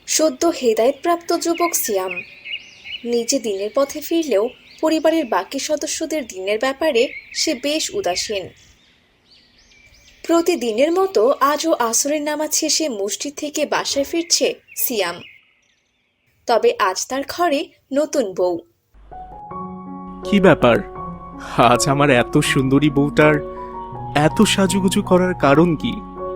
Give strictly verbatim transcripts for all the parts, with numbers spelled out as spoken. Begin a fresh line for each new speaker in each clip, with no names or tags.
সদ্য হেদায়েতপ্রাপ্ত যুবক সিয়াম নিজে দিনের পথে ফিরলেও পরিবারের বাকি সদস্যদের দিনের ব্যাপারে সে বেশ উদাসীন। প্রতিদিনের মতো আজও আসরের নামাজ শেষে মসজিদ থেকে বাসায় ফিরছে সিয়াম। তবে আজ তার ঘরে নতুন বউ।
কি ব্যাপার? আজ আমার এত সুন্দরী বউটার এত সাজুগুজু করার কারণ কি?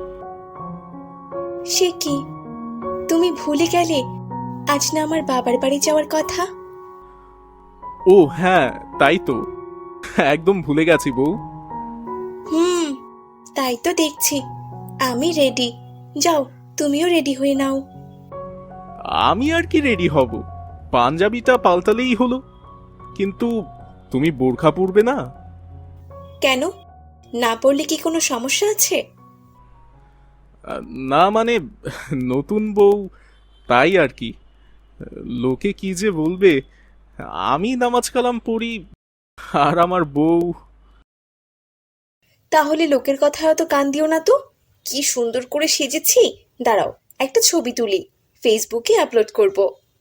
সে কি, তুমি ভুলে গেলে আজ না আমার বাবার বাড়ি যাওয়ার কথা?
ও হ্যাঁ, তাই তো, একদম ভুলে গেছি বউ।
হুম, তাই তো দেখছি। আমি রেডি, যাও তুমিও রেডি হয়ে নাও।
আমি আর কি রেডি হব, পাঞ্জাবিটা পাল্টালেই হলো। কিন্তু তুমি বোরখা পরবে না?
কেন, না পড়লে কি কোনো সমস্যা আছে?
আহ, না মানে নতুন বউ, তাই আর কি। লোকে কি যে বলবে, আমি নামাজ কালাম পড়ি আর আমার বউ।
তাহলে লোকের কথায় অত কান দিও না তো। কি সুন্দর করে সেজেছি, দাঁড়াও একটা ছবি তুলি, ফেসবুকে আপলোড করব।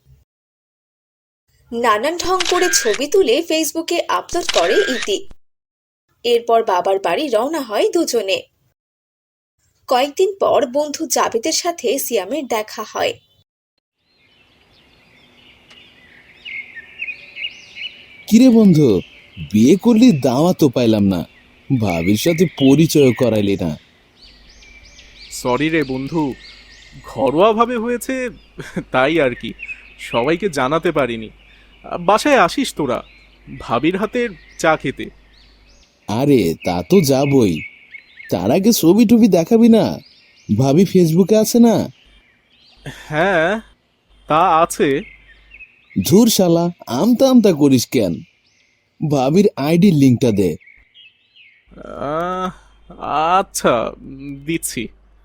নানান ঢং করে ছবি তুলে ফেসবুকে আপলোড করে ইতি। এরপর বাবার বাড়ি রওনা হয় দুজনে। কয়েকদিন পর বন্ধু জাবেদের সাথে সিয়ামের দেখা হয়।
কিরে বন্ধু, বিয়ে করলি দাওয়াতও পাইলাম না, ভাবির সাথে পরিচয় করাইলি না।
সরি রে বন্ধু, ঘরোয়া ভাবে হয়েছে, তাই আর কি, সবাইকে জানাতে পারিনি। বাসায় আসিস তোরা, ভাবির হাতের চা খেতে।
আরে তা তো যাবই, তার আগে ছবি টবি দেখাবি না? ভাবি ফেসবুকে আছে না?
হ্যাঁ, তা আছে।
ধুর শালা, আমতা আমতা করিস কেন? ভাবির আইডির লিঙ্কটা দে।
আহ, আচ্ছা, উম, দিচ্ছি।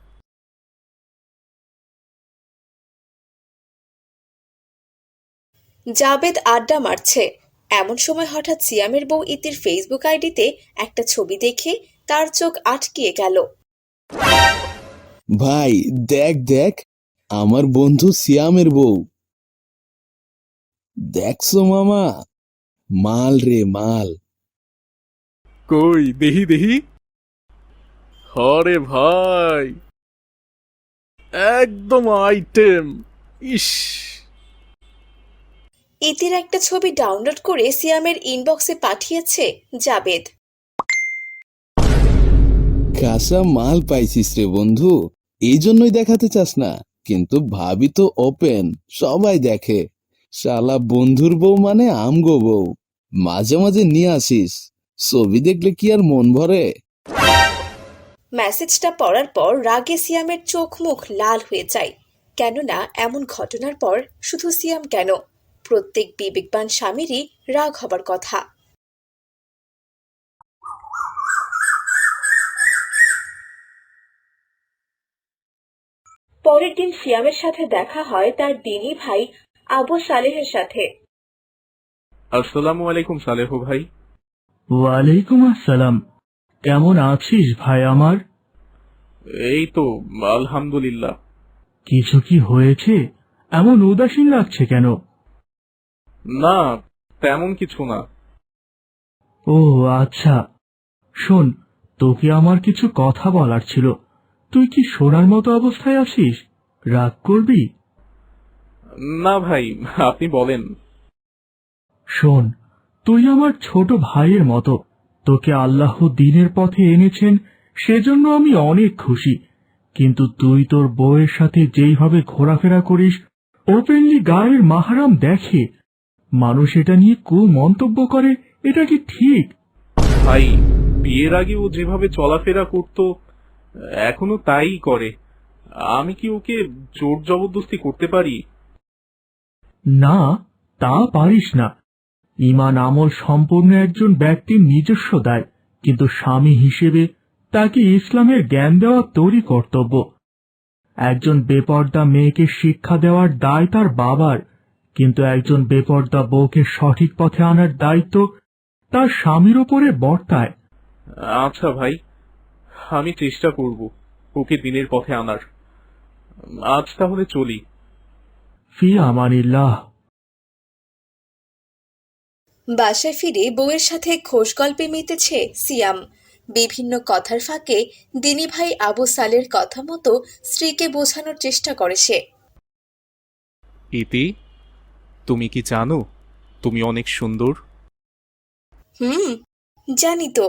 জাবেদ আড্ডা মারছে, এমন সময় হঠাৎ সিয়ামের বউ ইতির ফেসবুক আইডিতে একটা ছবি দেখে তার চোখ আটকিয়ে গেল।
ভাই দেখ দেখ, আমার বন্ধু সিয়ামের বউ। দেখছো মামা, মাল রে মাল।
কই দেহি দেহি। হরে ভাই, একদম আইটেম। ইস,
ইতির একটা ছবি ডাউনলোড করে সিয়ামের ইনবক্সে পাঠিয়েছে জাবেদ।
কাঁচা মাল পাইছিস রে বন্ধু, এই জন্যই দেখাতে চাস না, কিন্তু ভাবি তো ওপেন, সবাই দেখে। শালা বন্ধুর বউ মানে আমগো বউ, মাঝে মাঝে নিয়ে আসিস, ছবি দেখলে কি আর মন ভরে?
মেসেজটা পড়ার পর রাগে সিয়ামের চোখ মুখ লাল হয়ে যায়। কেননা এমন ঘটনার পর শুধু সিয়াম কেন, প্রত্যেক বিবেকবান স্বামীরই রাগ হবার কথা। পরের দিন সিয়ামের সাথে দেখা হয় তার দিনী ভাই আবু সালেহের সাথে।
আসসালামু আলাইকুম সালেহ ভাই।
ওয়ালাইকুম আসসালাম। কেমন আছিস ভাই আমার?
এই তো, আলহামদুলিল্লাহ।
কিছু কি হয়েছে? এমন উদাসীন লাগছে কেন?
না, তেমন কিছু না।
ও আচ্ছা, শোন, তোকে আমার কিছু কথা বলার ছিল। তুই কি শোনার মতো অবস্থায় আছিস? রাগ করবি?
না ভাই, আপনি বলেন।
শোন, তুই আমার ছোট ভাইয়ের মতো। তোকে আল্লাহ দ্বীনের পথে এনেছেন, সেজন্য আমি অনেক খুশি। কিন্তু তুই তোর বউয়ের সাথে যেইভাবে ঘোরাফেরা করিস, ওপেনলি গায়ের মাহারাম দেখে, মানুষ এটা নিয়ে কু মন্তব্য করে, এটা কি ঠিক?
ভাই, বিয়ের আগে ও যেভাবে চলাফেরা করত, এখনো তাই করে। আমি কি ওকে জোর জবরদস্তি করতে পারি?
না, তা পারিস না। ঈমান আমল সম্পূর্ণ একজন ব্যক্তির নিজস্ব দায়, কিন্তু স্বামী হিসেবে তাকে ইসলামের জ্ঞান দেওয়া তোরই কর্তব্য। একজন বেপর্দা মেয়েকে শিক্ষা দেওয়ার দায় তার বাবার, কিন্তু একজন বেপর্দা বউকে সঠিক পথে আনার দায়িত্ব তার স্বামীর ওপরে বর্তায়।
আচ্ছা ভাই, আমি চেষ্টা করব ওকে দিনের পথে আনার। আজ তাহলে চলি।
ফি আমানিল্লাহ।
বাসায় ফিরে বউয়ের সাথে খোশ গল্পে মেতেছে সিয়াম। বিভিন্ন কথার ফাঁকে দিনী ভাই আবু সালের কথা মতো স্ত্রীকে বোঝানোর চেষ্টা করে সে।
ইতি, তুমি কি জানো তুমি অনেক সুন্দর?
হুম, জানি তো।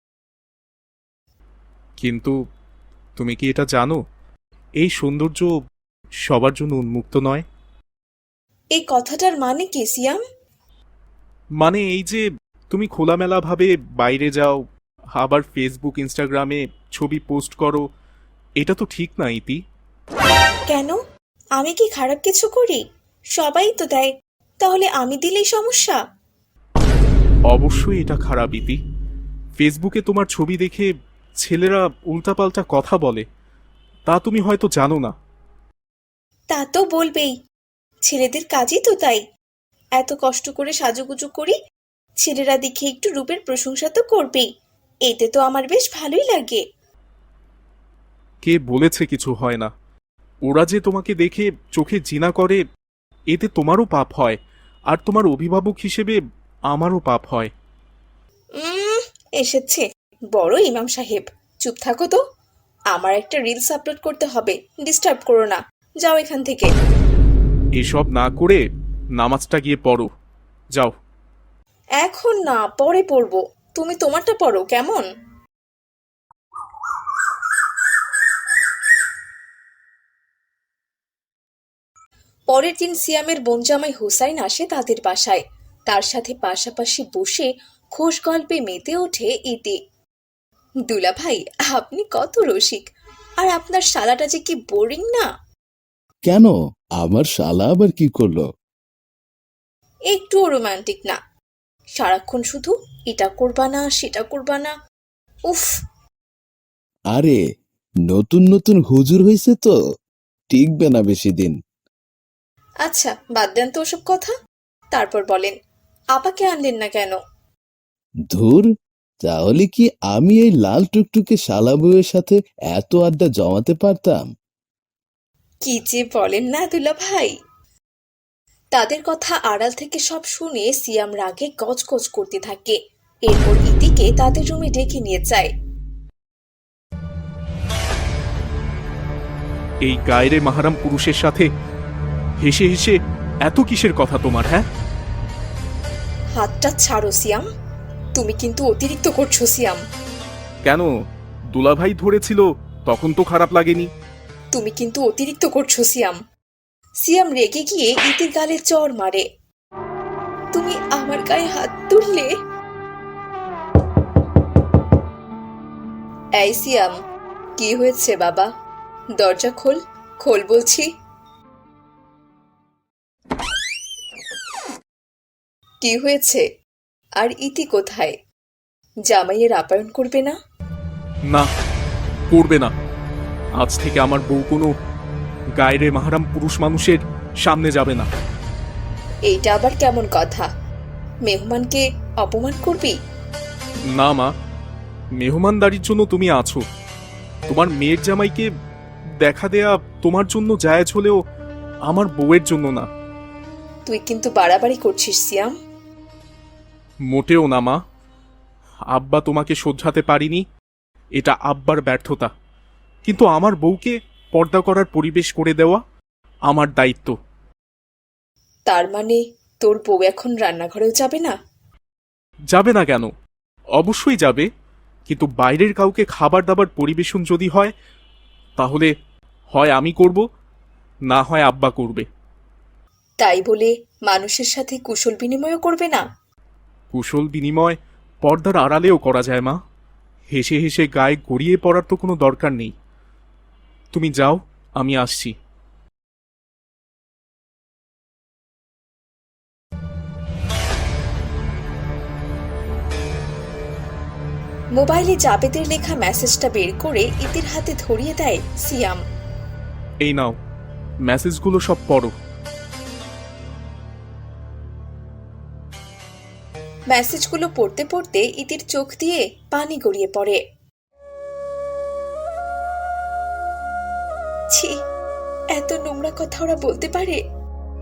কিন্তু তুমি কি এটা জানো এই সৌন্দর্য সবার জন্য উন্মুক্ত নয়?
এই কথাটার মানে কি সিয়াম?
মানে এই যে তুমি খোলামেলাভাবে বাইরে যাও, আবার ফেসবুক ইনস্টাগ্রামে ছবি পোস্ট করো, এটা তো ঠিক না ইতি।
কেন? আমি কি খারাপ কিছু করি? সবাই তো দেয়, তাহলে আমি দিলেই সমস্যা?
অবশ্যই এটা খারাপ ইতি। ফেসবুকে তোমার ছবি দেখে ছেলেরা উল্টাপাল্টা কথা বলে, তা তুমি হয়তো জানো না।
তা তো বলবেই, ছেলেদের কাজই তো তাই। এত কষ্ট করে সাজুগুজু করি, ছেলেরা দেখে একটু রূপের প্রশংসা তো করবেই। এতে তো আমার বেশ ভালোই লাগে।
কে বলেছে কিছু হয় না? ওরা যে তোমাকে দেখে চোখে জিনা করে, এতে তোমারও পাপ হয়, আর তোমার অভিভাবক হিসেবে আমারও পাপ হয়।
উম এসেছে বড় ইমাম সাহেব। চুপ থাকো তো। আমার একটা রিলস আপলোড করতে হবে, ডিস্টার্ব করো না। যাও এখান থেকে।
এসব না করে নামাজটা গিয়ে পড়ো, যাও।
এখন না, পরে পড়বো। তুমি তোমারটা পড়ো কেমন? পরের দিন সিয়ামের বোনজামাই হুসাইন আসে তাদের বাসায়। তার সাথে পাশাপাশি বসে খোশ গল্পে মেতে ওঠে ইতি। দুলা ভাই, আপনি কত রসিক, আর আপনার শালাটা যে কি বোরিং না।
কেন, আমার শালা আবার কি করলো?
একটুও রোমান্টিক না, সারাক্ষণ শুধু এটা করবা না সেটা করবা না। উফ।
আরে, নতুন নতুন হুজুর হয়েছে তো, টিকবে না বেশি দিন।
আচ্ছা, বাদ দেন তো ওসব কথা। তারপর বলেন, আপাকে আনলেন না কেন?
ধুর, তাহলে কি আমি এই লাল টুকটুকে শালা বউয়ের সাথে এত আড্ডা জমাতে পারতাম?
কি যে বলেন না দুলা ভাই। তাদের কথা আড়াল থেকে সব শুনে সিয়াম রাগে গজগজ করতে থাকে। এরপর ইতিকে তাদের রুমে ডেকে নিয়ে যায়।
এই গায়রে মাহারাম পুরুষের সাথে হেসে হেসে এত কিসের কথা তোমার? হ্যাঁ,
হাতটা ছাড়ো সিয়াম, তুমি কিন্তু অতিরিক্ত করছো সিয়াম।
কেন? দুলাভাই ধরেছিল তখন তো খারাপ লাগেনি।
তুমি কিন্তু অতিরিক্ত করছো সিয়াম। সিয়াম রেগে গিয়ে ইতির গালে চড় মারে। তুমি আমার গায়ে হাত তুললে? এই সিয়াম, কি হয়েছে বাবা? দরজা খোল, খোল বলছি। কি হয়েছে? আর ইতি কোথায়? জামাইয়ের আপ্যায়ন করবে না?
না, করবে না। আজ থেকে আমার বউ কোনো গায়রে মাহারাম পুরুষ মানুষের সামনে যাবে না।
এইটা আবার কেমন কথা? মেহমানকে অপমান করবি?
না মা, মেহমানদারির জন্য তুমি আছো। তোমার মেয়ের জামাইকে দেখা দেয়া তোমার জন্য জায়েজ হলেও আমার বউয়ের জন্য না।
তুই কিন্তু বাড়াবাড়ি করছিস সিয়াম।
মোটেও না মা। আব্বা তোমাকে শোধরাতে পারিনি, এটা আব্বার ব্যর্থতা। কিন্তু আমার বউকে পর্দা করার পরিবেশ করে দেওয়া আমার দায়িত্ব।
তার মানে তোর বউ এখন রান্নাঘরেও যাবে না?
যাবে না কেন? অবশ্যই যাবে, কিন্তু বাইরের কাউকে খাবার দাবার পরিবেশন যদি হয়, তাহলে হয় আমি করব, না হয় আব্বা করবে।
তাই বলে মানুষের সাথে কুশল বিনিময়ও করবে না?
কুশল বিনিময় পর্দার আড়ালেও করা যায় মা। হেসে হেসে গায়ে গড়িয়ে পড়ার তো কোনো দরকার নেই। তুমি যাও, আমি আসছি।
মোবাইলে জাবেদের লেখা মেসেজটা বের করে ইতির হাতে ধরিয়ে দেয় সিয়াম।
এই নাও, মেসেজগুলো সব পড়ো।
মেসেজগুলো পড়তে পড়তে ইতির চোখ দিয়ে পানি গড়িয়ে পড়ে। ছি, এত নোংরা কথা ওরা বলতে পারে?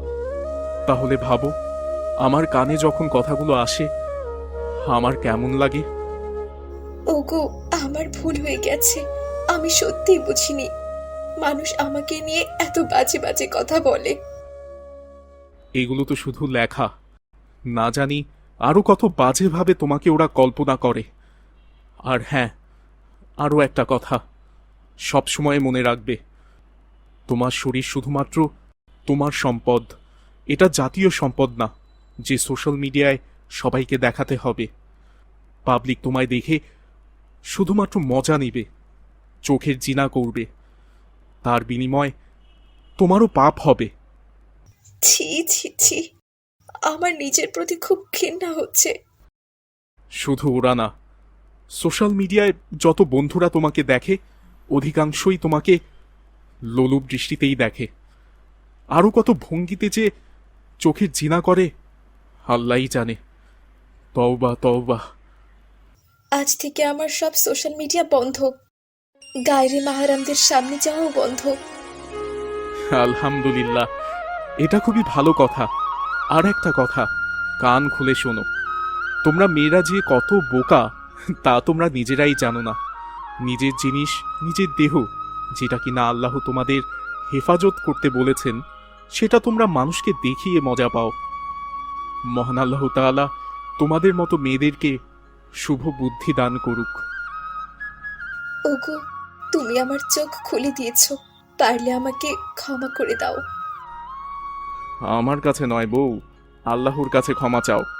তাহলে ভাবো, আমার কানে যখন কথাগুলো আসে আমার কেমন লাগে।
ওগো, আমার ভুল হয়ে গেছে। আমি সত্যিই বুঝিনি মানুষ আমাকে নিয়ে এত বাজে বাজে কথা বলে।
এগুলো তো শুধু লেখা, না জানি আরো কত বাজেভাবে তোমাকে ওরা কল্পনা করে। আর হ্যাঁ, আরো একটা কথা সব সময় মনে রাখবে, তোমার শরীর শুধুমাত্র তোমার সম্পদ, এটা জাতীয় সম্পদ না যে সোশ্যাল মিডিয়ায় সবাইকে দেখাতে হবে। পাবলিক তোমায় দেখে শুধুমাত্র মজা নেবে, চোখের জিনা করবে, তার বিনিময় তোমারও পাপ হবে।
ছি ছি ছি, আমার নিজের প্রতি খুব ঘৃণা হচ্ছে।
শুধু ওরা না, সোশ্যাল মিডিয়ায় যত বন্ধুরা তোমাকে দেখে অধিকাংশই তোমাকে লোলুপ দৃষ্টিতেই দেখে। আরও কত ভঙ্গিতে যে চোখের জিনা করে আল্লাহই জানে। তওবা তওবা।
আজ থেকে আমার সব সোশ্যাল মিডিয়া বন্ধ, গায়রে মাহারামদের সামনে যাওয়াও বন্ধ।
আলহামদুলিল্লাহ, এটা খুবই ভালো কথা। আর একটা কথা, কান খুলে শোনো, তোমরা মেয়েরা যে কত বোকা তা তোমরা নিজেরাই জানো না। নিজের জিনিস, নিজের দেহ, যেটা কিনা আল্লাহ তোমাদের হেফাজত করতে বলেছেন, সেটা তোমরা মানুষকে দেখিয়ে মজা পাও। মহান আল্লাহ তাআলা তোমাদের মতো মেয়েদেরকে শুভ বুদ্ধি দান করুক।
ওগো, তুমি আমার চোখ খুলে দিয়েছো, পারলে আমাকে ক্ষমা করে দাও।
আমার কাছে নয় বউ, আল্লাহর কাছে ক্ষমা চাও।